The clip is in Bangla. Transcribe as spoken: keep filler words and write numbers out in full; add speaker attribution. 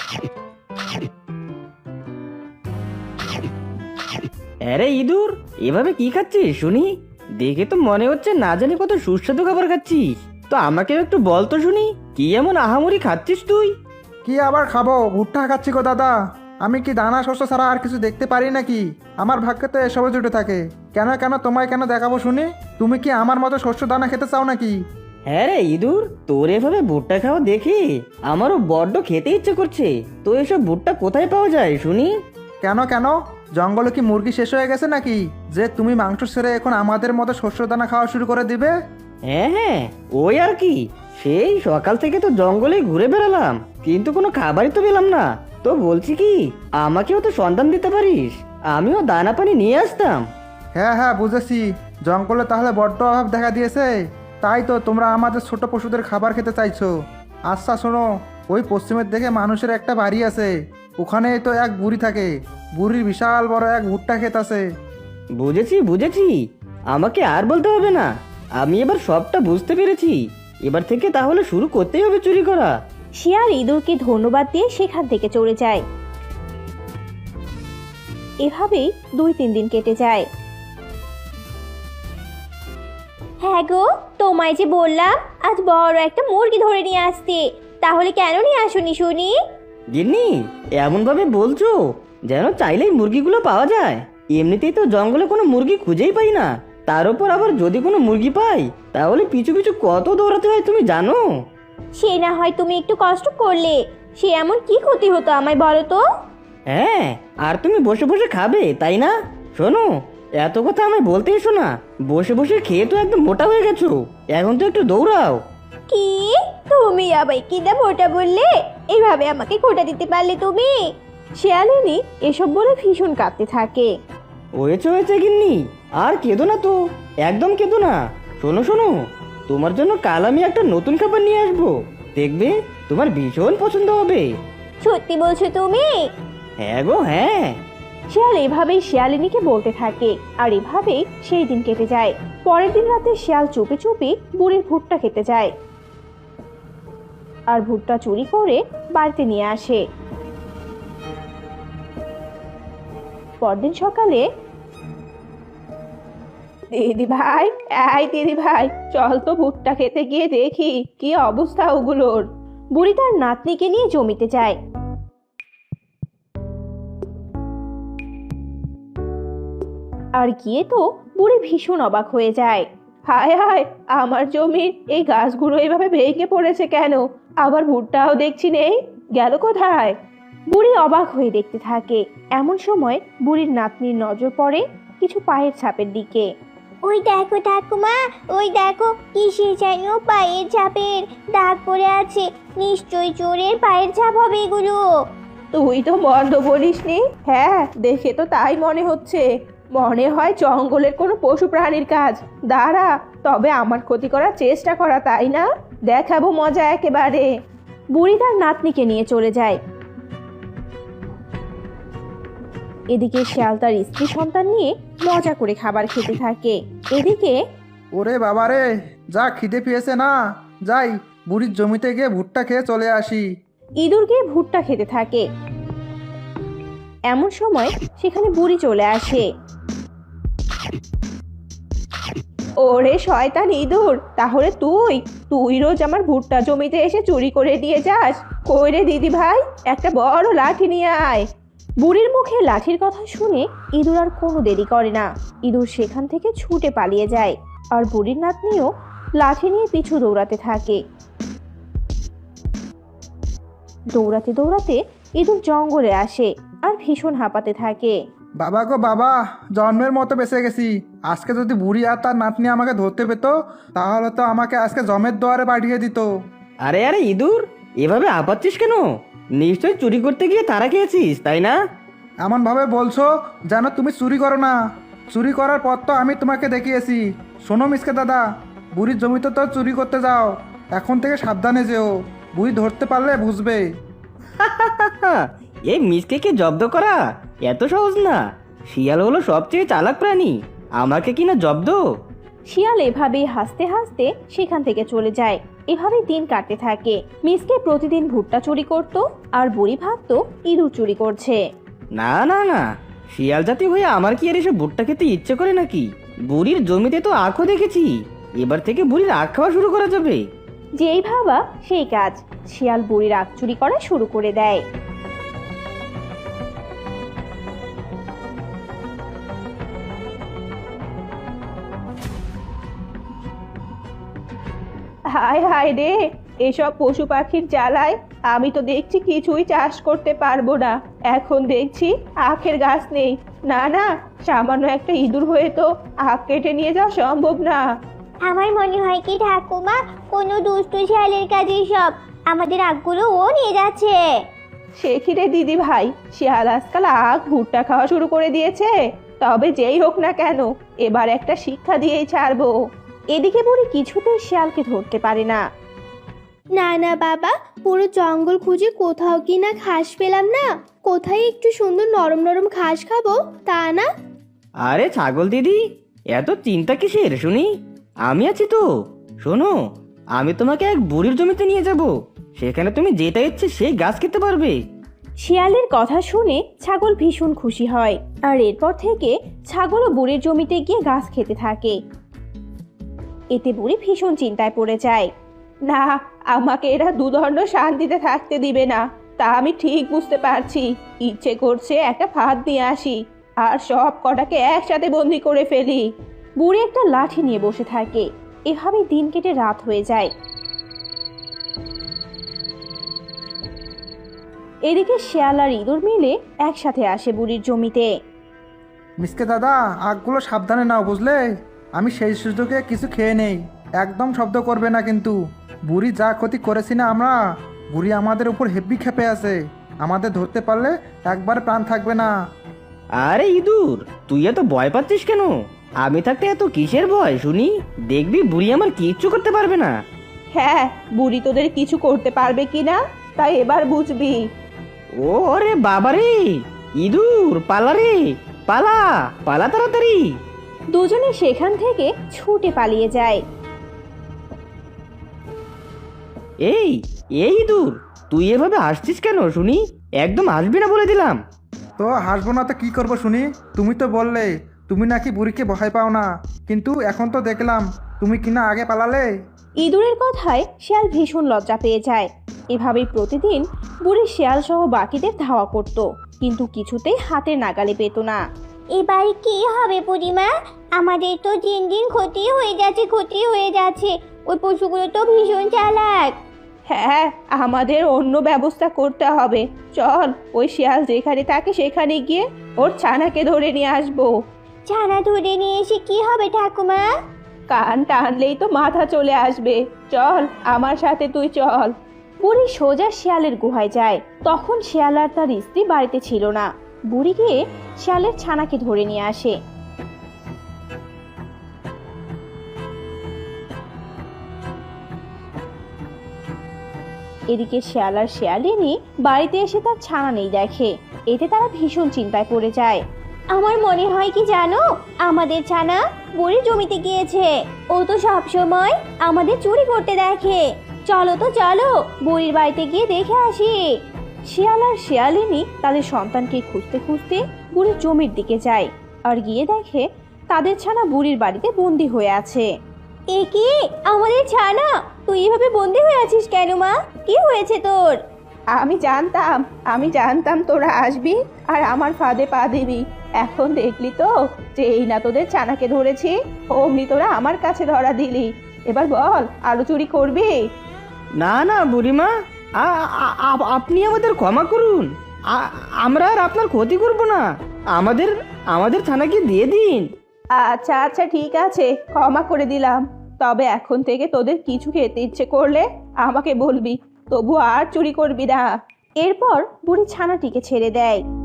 Speaker 1: আরে ইঁদুর, এভাবে কি খাচ্ছিস শুনি? দেখে তো মনে হচ্ছে না জানি কত সুস্বাদু খাবার খাচ্ছিস। তো আমাকেও একটু বল তো শুনি, কি এমন আহামরি খাচ্ছিস তুই?
Speaker 2: কি আবার খাবো? ভুট্টা খাচ্ছি গো দাদা। আমি কি দানা শস্য ছাড়া আর কিছু দেখতে পারি নাকি? আমার ভাগ্যে তো এসবে জুটে থাকে। কেন কেন তোমায় কেন দেখাবো শুনি? তুমি কি আমার মতো শস্য দানা খেতে চাও নাকি?
Speaker 1: হ্যাঁ রে ইঁদুর, তোর এভাবে ভুট্টা খাওয়া দেখি আমারও বড্ড খেতে ইচ্ছে করছে। তো এসব ভুট্টা কোথায় পাওয়া যায় শুনি?
Speaker 2: কেন কেন জঙ্গলে কি মুরগি শেষ হয়ে গেছে নাকি, যে তুমি মাংস ছেড়ে এখন আমাদের মতো শস্য দানা খাওয়া শুরু করে দিবে?
Speaker 1: হ্যাঁ হ্যাঁ, ওই আর কি। সেই সকাল থেকে তো জঙ্গলে ঘুরে বেড়ালাম, কিন্তু কোনো খাবারই তো পেলাম না। তো বলছি কি, আমাকেও তো সন্ধান দিতে পারিস, আমিও দানা পানি নিয়ে আসতাম।
Speaker 2: হ্যাঁ হ্যাঁ বুঝেছি, জঙ্গলে তাহলে বড্ড অভাব দেখা দিয়েছে, তাই তো তোমরা আমাদের ছোট পশুদের খাবার খেতে চাইছো। আচ্ছা শোনো, ওই পশ্চিমের দিকে মানুষের একটা বাড়ি আছে, ওখানে তো এক বুড়ি থাকে। বুড়ির বিশাল বড় এক ভুট্টা ক্ষেত আছে।
Speaker 1: বুঝেছি বুঝেছি, আমাকে আর বলতে হবে না, আমি এবার সবটা বুঝতে পেরেছি। এবার থেকে তাহলে শুরু করতেই হবে চুরি করা।
Speaker 3: শিয়াল ইঁদুরকে ধন্যবাদ দিয়ে সেখান থেকে চলে যায়। এভাবেই দুই তিন দিন কেটে যায়। হ্যাঁ গো, তোমায় যে বললাম আজ বড় একটা মুরগি ধরে নিয়ে আসতে, তাহলে কেন নিয়ে আসোনি শুনি?
Speaker 1: গিন্নি, এমন ভাবে বলছো যেন চাইলেই মুরগিগুলো পাওয়া যায়। এমনিতেই তো জঙ্গলে কোনো মুরগি খুঁজেই পাই না, তার উপর আবার যদি কোনো মুরগি পাই তাহলে পিছু পিছু কত দৌড়াতে হয় তুমি জানো?
Speaker 3: সে না হয় তুমি একটু কষ্ট করলে, সে এমন কি ক্ষতি হতো আমায় বলো তো?
Speaker 1: হ্যাঁ, আর তুমি বসে বসে খাবে তাই না? শোনো, এত কথা আমায় বলতে এসো না। বসে বসে খেয়ে তো একদম মোটা হয়ে গেছো, এখন তো একটু দৌড়াও।
Speaker 3: কি, তুমি আবার কি না মোটা বললে? এইভাবে আমাকে খোটা দিতে পারলে তুমি? শিয়ালিনী এসব বলে ভীষণ কাঁদতে থাকে।
Speaker 1: হয়েছে হয়েছে গিন্নি, আর কেঁদো না তো, একদম কেঁদো না। শোনো শোনো, তোমার জন্য কাল আমি একটা নতুন খাবার নিয়ে আসবো, দেখবে তোমার ভীষণ পছন্দ হবে।
Speaker 3: সত্যি বলছো তুমি?
Speaker 1: হ্যাঁ গো হ্যাঁ।
Speaker 3: শিয়াল এভাবেই শিয়ালিনীকে বলতে থাকে, আর এভাবেই সেই দিন কেটে যায়। পরের দিন রাতে শিয়াল চুপি চুপি বুড়ির ভুট্টা খেতে যায়, আর ভুট্টা চুরি করে বাড়িতে নিয়ে আসে। পরদিন সকালে, দিদি ভাই, এই দিদি ভাই, চল তো ভুট্টা খেতে গিয়ে দেখি কি অবস্থা ওগুলোর। বুড়ি তার নাতনিকে নিয়ে জমিতে যায়। আর গিয়ে তো বুড়ি ভীষণ অবাক হয়ে যায়। হায় হায়, আমার জমির এই গাছগুলো এভাবে ভেঙে পড়েছে কেন? আবার ভুট্টাও দেখছি নেই, গেল কোথায়? বুড়ি অবাক হয়ে দেখতে থাকে। এমন সময় বুড়ির নাতনির নজর পড়ে কিছু পায়ের ছাপের দিকে।
Speaker 4: ওই দেখো ঠাকুমা, ওই দেখো কিসের যেন পায়ের ছাপের দাগ পড়ে আছে। নিশ্চয়ই চোরের পায়ের ছাপ হবে এগুলো।
Speaker 3: তুই তো মন্দ বলিসনি। হ্যাঁ, দেখে তো তাই মনে হচ্ছে। মনে হয় জঙ্গলের কোনো পশু প্রাণীর কাজ। দাঁড়া, তবে আমার ক্ষতি করার চেষ্টা করা, তাই না? দেখাবো মজা একেবারে। বুড়ি তার নাতনিকে নিয়ে চলে যায়। এদিকে শিয়াল তার স্ত্রী সন্তান নিয়ে মজা করে খাবার খেতে থাকে। এদিকে
Speaker 2: ওরে বাবারে, যা খিদে পেয়েছে না, যাই বুড়ির জমিতে গিয়ে ভুট্টা খেয়ে চলে আসি।
Speaker 3: ইঁদুর গিয়ে ভুট্টা খেতে থাকে। এমন সময় সেখানে বুড়ি চলে আসে। ওরে শয়তান ইঁদুর, তাহলে তুই তুই রোজ আমার ভুট্টা জমিতে এসে চুরি করে দিয়ে যাস? কই রে দিদি ভাই, একটা বড় লাঠি নিয়ে আয়। বুড়ির মুখে লাঠির কথা শুনে ইঁদুর আর কোনো দেরি করে না। ইঁদুর সেখান থেকে ছুটে পালিয়ে যায়, আর বুড়ির নাতনিও লাঠি নিয়ে পিছু দৌড়াতে থাকে। দৌড়াতে দৌড়াতে ইঁদুর জঙ্গলে আসে আর ভীষণ হাঁপাতে থাকে।
Speaker 2: বাবা গো বাবা, জন্মের মতো বেঁচে গেছি। আজকে যদি বুড়ি আর তার নাতনি আমাকে ধরতে পেত, তাহলে তো আমাকে আজকে জমের দুয়ারে পাঠিয়ে দিত।
Speaker 1: আরে আরে ইঁদুর, এভাবে আপাচ্ছিস কেন? নিশ্চয় চুরি করতে গিয়ে তারা খেয়েছিস তাই না?
Speaker 2: এমন ভাবে বলছো যেন তুমি চুরি করো না। চুরি করার পর তো আমি তোমাকে দেখিয়েছি। শোনো মিসকে দাদা, বুড়ির জমিতে তো চুরি করতে যাও, এখন থেকে সাবধানে যেও। বুড়ি ধরতে পারলে বুঝবে।
Speaker 1: এই মিসকেকে জব্দ করা এত সহজ না। শিয়াল হলো সবচেয়ে চালাক প্রাণী, আমাকে কিনা জব্দ?
Speaker 3: শিয়াল এভাবেই হাসতে হাসতে সেখান থেকে চলে যায়। এভাবে দিন কাটতে থাকে। মিসকে প্রতিদিন ভুট্টা চুরি করত, আর বুড়ি ভাবতো ইঁদুর চুরি করছে।
Speaker 1: না না না, শিয়াল জাতি হয়ে আমার কি আর এসব ভুট্টা খেতে ইচ্ছে করে নাকি? বুড়ির জমিতে তো আখও দেখেছি, এবার থেকে বুড়ির আখ খাওয়া শুরু করা যাবে।
Speaker 3: যেই ভাবা সেই কাজ, শিয়াল বুড়ির আখ চুরি করা শুরু করে দেয়। হায় হায় রে, এসব পশু পাখির জ্বালায় আমি তো দেখছি কিছুই চাষ করতে পারবো না। এখন দেখছি আখের গাছ নেই। না না, সামান্য একটা ইঁদুর হয়ে তো আখ কেটে নিয়ে যাওয়া সম্ভব না।
Speaker 4: আমার মনে হয় কি ঠাকুমা, কোনো দুষ্ট শিয়ালের কাজে সব আমাদের আখগুলো ও নিয়ে যাচ্ছে।
Speaker 3: সে কি রে দিদি ভাই, শিয়াল আজকাল আখ ভুট্টা খাওয়া শুরু করে দিয়েছে। তবে যেই হোক না কেন, এবার একটা শিক্ষা দিয়েই ছাড়বো। এদিকে বুড়ি কিছুতেই শিয়ালকে ধরতে পারে না।
Speaker 5: না না বাবা, পুরো জঙ্গল খুঁজে কোথাও কি না ঘাস পেলাম না। কোথায় একটু সুন্দর নরম নরম ঘাস খাবো তা না।
Speaker 1: আরে ছাগল দিদি, এত চিন্তা কিসের শুনি? আমি আছি তো। শোনো, আমি তোমাকে এক বুড়ির জমিতে নিয়ে যাব, সেখানে তুমি যেটা ইচ্ছে সেই গাছ খেতে পারবে।
Speaker 3: শিয়ালের কথা শুনে ছাগল ভীষণ খুশি হয়, আর এরপর থেকে ছাগলও বুড়ির জমিতে গিয়ে গাছ খেতে থাকে। এতে বুড়ি ভীষণ চিন্তায় পড়ে যায়। না, আমাকে এরা দুদণ্ড শান্তিতে থাকতে দিবে না, তা আমি ঠিক বুঝতে পারছি। ইচ্ছে করছে একটা ফাঁদ নিয়ে আসি, আর সব কটাকে একসাথে বন্দি করে ফেলি। বুড়ি একটা লাঠি নিয়ে বসে থাকে। এভাবে দিন কেটে রাত হয়ে যায়। এদিকে শিয়াল আর ইঁদুর মিলে একসাথে আসে বুড়ির জমিতে।
Speaker 2: মিসকে দাদা, আখগুলো সাবধানে নাও বুঝলে। আমি সেই সুযোগে কিছু খেয়ে নেই, একদম শব্দ করবে না কিন্তু। বুড়ি যা ক্ষতি করেছি না আমরা, বুড়ি আমাদের উপর হেব্বি খেপে আছে। আমাদের ধরতে পারলে একবার প্রাণ থাকবে না।
Speaker 1: আরে ইঁদুর, তুই এত ভয় পাচ্ছিস কেন? আমি থাকতে এত কিসের ভয় শুনি? দেখবি বুড়ি আমার কিচ্ছু করতে পারবে না।
Speaker 3: হ্যাঁ, বুড়ি তোদের কিছু করতে পারবে কিনা তাই এবার বুঝবি।
Speaker 1: ও রে বাবারে, ইঁদুর পালা রে, পালা পালা তাড়াতাড়ি।
Speaker 3: দুজনে সেখান থেকে ছুটে পালিয়ে যায়।
Speaker 1: এই এই ইঁদুর, তুই এভাবে হাসছিস কেন শুনি? একদম হাসবি না বলে দিলাম।
Speaker 2: তো হাসবো না তো কী করবো শুনি? তুমি তো বললে তুমি নাকি বুড়িকে ভয় পাও না, কিন্তু এখন তো দেখলাম তুমি কিনা আগে পালালে।
Speaker 3: ইঁদুরের কথায় শিয়াল ভীষণ লজ্জা পেয়ে যায়। এভাবেই প্রতিদিন বুড়ি শিয়াল সহ বাকিদের ধাওয়া করত, কিন্তু কিছুতেই হাতের নাগালে পেত না।
Speaker 4: এবার কি হবে বুড়িমা? আমাদের তো দিন দিন ক্ষতি হয়ে যাচ্ছে, ক্ষতি হয়ে যাচ্ছে। ওই পশুগুলো তো ভীষণ চালাক।
Speaker 3: হ্যাঁ, আমাদের অন্য ব্যবস্থা করতে হবে। চল, ওই শিয়াল যেখানে থাকে সেখানে গিয়ে ওর ছানাকে ধরে নিয়ে আসবো।
Speaker 4: ছানা ধরে নিয়ে এসে কি হবে ঠাকুমা?
Speaker 3: কান টানলেই তো মাথা চলে আসবে। চল আমার সাথে, তুই চল। বুড়ি সোজা শিয়ালের গুহায় যায়। তখন শিয়াল আর তার স্ত্রী বাড়িতে ছিল না। বুড়ি গিয়ে শিয়ালের ছানাকে ধরে নিয়ে আসে। এদিকে শিয়াল আর শিয়ালিনী বাড়িতে এসে তার ছানা নেই দেখে। এতে তারা ভীষণ চিন্তায় পড়ে যায়।
Speaker 4: আমার মনে হয় কি জানো, আমাদের ছানা বুড়ির জমিতে গিয়েছে। ও তো সব সময় আমাদের চুরি করতে দেখে। চলো তো চলো, বুড়ির বাড়িতে গিয়ে দেখে আসি।
Speaker 3: শিয়াল আর শিয়ালিনী তাদের সন্তানকে খুঁজতে খুঁজতে বুড়ির জমির দিকে যায়, আর গিয়ে দেখে তাদের ছানা বুড়ির বাড়িতে বন্দি হয়ে আছে।
Speaker 4: এ কি, আমাদের ছানা? তুই এভাবে বন্দি হয়ে আছিস কেন মা? কি হয়েছে তোর?
Speaker 3: আমি জানতাম, আমি জানতাম তোরা আসবি আর আমার ফাঁদে পা দিবি। এখন দেখলি তো যে এই না তোদের ছানাকে ধরেছি, অমনি তোরা আমার কাছে ধরা দিলি। এবার বল, আলু চুরি করবি?
Speaker 1: না না বুড়িমা, আ- আ- আ- আপনি আমাদের ক্ষমা করুন। আ- আমরা আর আপনার ক্ষতি করব না। আমাদের আমাদের থানাকে দিয়ে দিন।
Speaker 3: আচ্ছা আচ্ছা, ঠিক আছে, ক্ষমা করে দিলাম। তবে এখন থেকে তোদের কিছু খেতে ইচ্ছে করলে আমাকে বলবি, তবু আর চুরি করবি না। এরপর বুড়ি ছানাটিকে ছেড়ে দেয়।